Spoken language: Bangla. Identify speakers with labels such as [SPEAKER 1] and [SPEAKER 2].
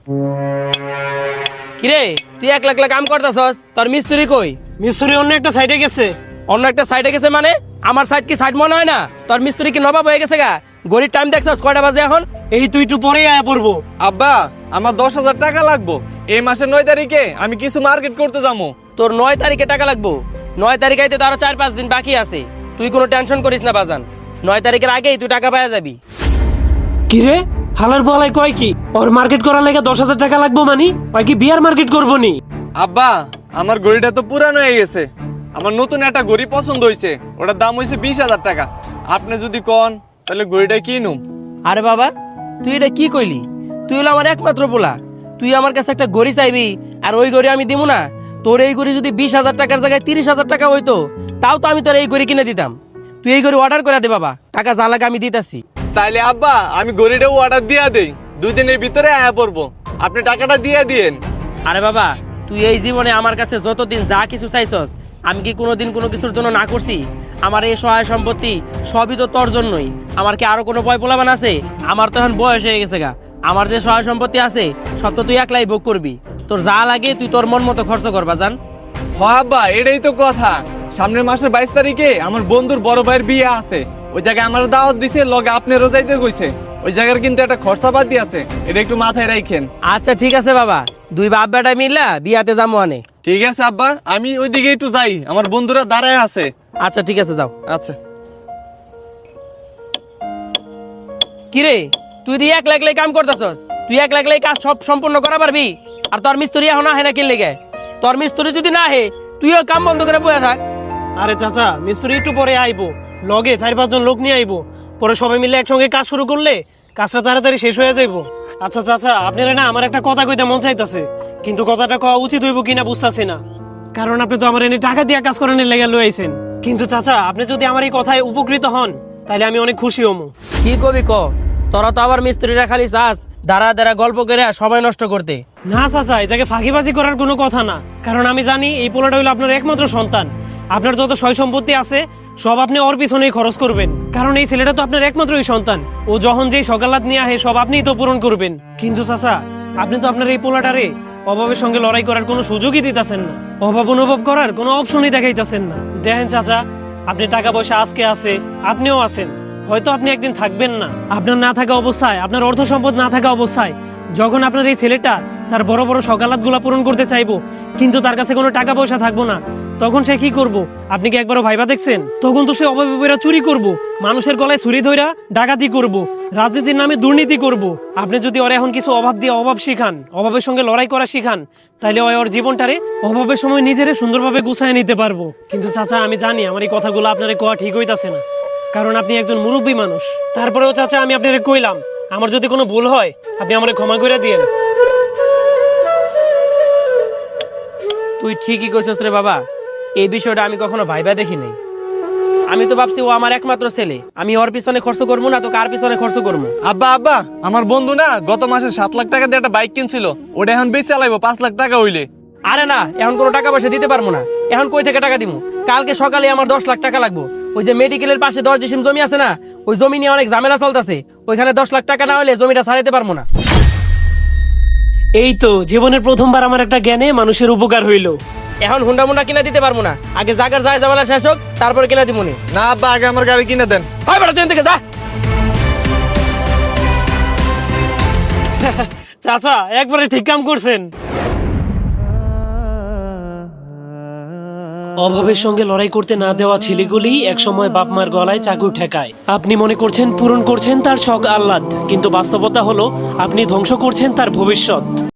[SPEAKER 1] কিরে তুই একলা একলা কাম করতেছস, তোর মিস্ত্রি কই?
[SPEAKER 2] মিস্ত্রি অন্য একটা সাইডে গেছে।
[SPEAKER 1] অন্য একটা সাইডে গেছে মানে? আমার সাইড কি সাইড মনে হয় না? তোর মিস্ত্রি কি নবাব হয়ে গেছে গা? গড়ির টাইম দেখছস কয়টা বাজে এখন?
[SPEAKER 2] এই তুই একটু পরেই আয়া পড়বো।
[SPEAKER 3] আব্বা, আমার 10,000 টাকা লাগবো। এই মাসের 9 তারিখে আমি কিছু মার্কেট করতে যাবো।
[SPEAKER 1] তোর 9 তারিখে টাকা লাগবো? 9 তারিখ আইতে তো আরো 4-5 দিন বাকি আছে। তুই কোনো টেনশন করিস না বাজান, 9 তারিখের আগেই তুই টাকা পাওয়া যাবি।
[SPEAKER 2] কিরে হালার বলাই কয় কি ওর মার্কেট করার লেগে 10,000 টাকা লাগবো মানে? ওই কি বিয়ার মার্কেট করবো নি?
[SPEAKER 3] আব্বা, আমার ঘড়িটা তো পুরানো হয়ে গেছে। আমার নতুন একটা ঘড়ি পছন্দ হয়েছে, ওটার দাম হয়েছে 20,000 টাকা। আপনি যদি কন তাহলে ঘড়িটা কিনুম।
[SPEAKER 1] আরে বাবা, তুই এটা কি কইলি? তুই হলো আমার একমাত্র পোলা, তুই আমার কাছে একটা গড়ি চাইবি আর ওই গড়ি আমি দিব না? তোর এই গড়ি যদি 20,000 টাকার জায়গায় 30,000 টাকা হইতো তাও তো আমি তোর এই গড়ি কিনে দিতাম। তুই এই গড়ি অর্ডার করে দে বাবা, টাকা যা লাগে আমি দিতাছি।
[SPEAKER 3] তাইলে আব্বা আমি ঘড়িটাও অর্ডার দিয়ে দেই, 2 দিনের ভিতরে আয়া পড়বো। আপনি টাকাটা দিয়ে দিয়েন।
[SPEAKER 1] আরে বাবা, তুই এই জীবনে আমার কাছে যতদিন যা কিছু চাইছস, আমি কি কোনোদিন কোনো কিছুর জন্য না করছি? আমার এই সহায় সম্পত্তি সবই তো তোর জন্যই। আমার কি আরো কোনো ভয় পোলাবান আছে? আমার তো এখন বয়স হয়ে গেছে গা। আমার যে সহায় সম্পত্তি আছে সব তো তুই একলাই ভোগ করবি। তোর যা লাগে তুই তোর মন মতো খরচ করবা জান।
[SPEAKER 3] হ আব্বা, এটাই তো কথা। সামনের মাসের 22 তারিখে আমার বন্ধুর বড় ভাইয়ের বিয়ে আছে। ওই জায়গায় আমার দাওয়াত দিছে, লগে আপনারও যাইতে কইছে। ওই জায়গার কিন্তু একটা খরচাপাতি আছে, এটা একটু মাথায় রাখেন।
[SPEAKER 1] আচ্ছা ঠিক আছে বাবা, দুই বাপ বেটা মিললা বিয়াতে যাবো আনে।
[SPEAKER 3] ঠিক আছে আব্বা, আমি ওইদিকে একটু যাই, আমার বন্ধুরা দাঁড়ায় আছে।
[SPEAKER 1] আচ্ছা ঠিক আছে যাও।
[SPEAKER 3] আচ্ছা।
[SPEAKER 1] কিরে তুই দিয়ে একলা একলাই কাম করতেছস? তুই একলা একলাই কাজ সব সম্পূর্ণ করা পারবি? আর তোর মিস্ত্রি এখন আহে না কি লেগে? তোর মিস্ত্রি যদি না আহে তুইও কাম বন্ধ করে বসে থাক।
[SPEAKER 2] আরে চাচা, মিস্ত্রি একটু পরে আইবো, লগে 4-5 জন লোক নিয়ে আইবো। পরে সবাই মিলে একসঙ্গে কাজ শুরু করলে কাজটা তাড়াতাড়ি শেষ হয়ে যাইবো। আচ্ছা চাচা, আপনারা না আমার একটা কথা কইতে মন চাইতাছে, কিন্তু কথাটা কওয়া উচিত হইব কিনা বুঝতাছি না। কারণ আপনি তো আমার এনে টাকা দিয়ে কাজ করানোর লেগে লই আইছেন। কিন্তু চাচা, আপনি যদি আমার এই কথায় উপকৃত হন তাহলে আমি অনেক খুশি হমু।
[SPEAKER 1] কি কবি ক? তোরা তো আবার মিস্ত্রিরা খালি চাস দাঁড়া দাঁড়া গল্প করে সময় নষ্ট করতে।
[SPEAKER 2] না চাচা, এটাকে ফাঁকিবাজি করার কোনো কথা না। কারণ আমি জানি এই পোলাটা হইলো আপনার একমাত্র সন্তান। আপনার যত সয় সম্পত্তি আছে সব আপনি ওর পিছনেই খরচ করবেন, কারণ এই ছেলেটা তো আপনার একমাত্রই সন্তান। ও যখন যেই সকালাত নিয়ে আহে সব আপনিই তো পূরণ করবেন। কিন্তু চাচা, আপনি তো আপনার এই পোলাটারে অভাবের সঙ্গে লড়াই করার কোনো সুযোগই দিতেছেন না, অভাব অনুভব করার কোনো অপশনই দেখাইতেছেন না। দেখেন চাচা, আপনি টাকা পয়সা আজকে আছে, আপনিও আছেন, হয়তো আপনি একদিন থাকবেন না। আপনার না থাকা অবস্থায়, আপনার অর্থ সম্পদ না থাকা অবস্থায় যখন আপনার এই ছেলেটা তার বড় বড় সকালাত গুলা পূরণ করতে চাইবো, কিন্তু তার কাছে কোনো টাকা পয়সা থাকবো না, তখন সে কি করব? আপনি কি একবারও ভাইবা দেখছেন? তখন তো সে অভাবে পইরা চুরি করব, মানুষের গলায় ছুরি ধইরা ডাকাতি করব, রাজনীতির নামে দুর্নীতি করব। আপনি যদি ওর এখন কিছু অভাব দিয়ে অভাব শিখান, অভাবের সঙ্গে লড়াই করা শিখান, তাহলে ওর জীবনটারে অভাবের সময় নিজেরে সুন্দরভাবে গুছায় নিতে পারবো। কিন্তু চাচা, আমি জানি আমার এই কথাগুলো আপনারে কোয়া ঠিক হইতাছে না, কারণ আপনি একজন মুরব্বী মানুষ। তারপরেও চাচা, আমি আপনারে কইলাম, আমার যদি কোনো ভুল হয় আপনি আমারে ক্ষমা করে দিয়েন।
[SPEAKER 1] তুই ঠিকই কইছস রে বাবা, এই বিষয়টা আমি কখনো ভাইবা দেখি নাই। আমি তো ভাবছি ও আমার একমাত্র ছেলে, আমি ওর পিছনে খরচ করবো না তো কার পিছনে খরচ করবো?
[SPEAKER 3] আব্বা আব্বা, আমার বন্ধু না গত মাসে 7 লাখ টাকা দিয়ে একটা বাইক কিনছিল, ওটা এখন বেশি চালাইবো 5 লাখ টাকা হইলে।
[SPEAKER 1] আরে না, এখন কোনো টাকা পয়সা দিতে পারবো না। এখন কই থেকে টাকা দিব? কালকে সকালে আমার 10 লাখ টাকা লাগবো। ওই যে মেডিকেলের পাশে 10 ডিসিম জমি আছে না, ওই জমি নিয়ে অনেক ঝামেলা চলতেছে। ওইখানে 10 লাখ টাকা না হলে জমিটা ছাড়াইতে পারবো না।
[SPEAKER 2] এই তো জীবনের প্রথমবার আমার একটা জ্ঞানে মানুষের উপকার হইলো।
[SPEAKER 1] এখন হুন্ডা মুন্ডা কিনা দিতে পারবো না, আগে জাগার যায় ঝামেলা শেষ হোক তারপরে কিনা দিব নি।
[SPEAKER 3] না আব্বা, আগে আমার গাড়ি কিনে দেন।
[SPEAKER 1] হয় বেটা, তুই এখান থেকে যা।
[SPEAKER 2] চাচা, একবারে ঠিক কাম করছেন। অভাবের সঙ্গে লড়াই করতে না দেওয়া ছেলেগুলি একসময় বাপ মার গলায় চাকু ঠেকায়। আপনি মনে করছেন পূরণ করছেন তার শখ আহ্লাদ, কিন্তু বাস্তবতা হলো আপনি ধ্বংস করছেন তার ভবিষ্যৎ।